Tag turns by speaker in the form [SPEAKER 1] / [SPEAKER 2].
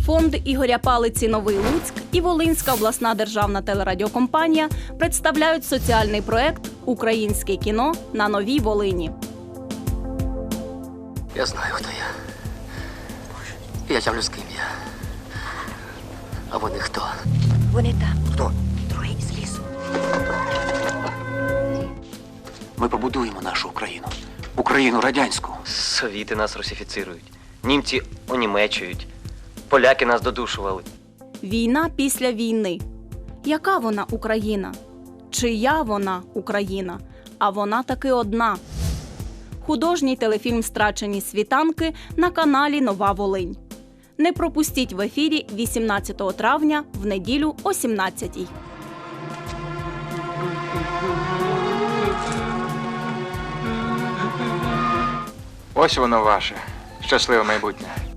[SPEAKER 1] Фонд Ігоря Палиці «Новий Луцьк» і Волинська обласна державна телерадіокомпанія представляють соціальний проект «Українське кіно на Новій Волині».
[SPEAKER 2] Я знаю, хто я. Я явлю, з ким я. А вони хто?
[SPEAKER 3] Вони там.
[SPEAKER 2] Хто?
[SPEAKER 3] Троє із лісу.
[SPEAKER 4] Ми побудуємо нашу Україну. Україну радянську.
[SPEAKER 5] Совіти нас русифіцирують, німці онімечують, поляки нас додушували.
[SPEAKER 1] Війна після війни. Яка вона Україна? Чия вона Україна? А вона таки одна. Художній телефільм «Страчені світанки» на каналі «Нова Волинь». Не пропустіть в ефірі 18 травня в неділю о 17-й.
[SPEAKER 6] Ось воно ваше щасливе майбутнє.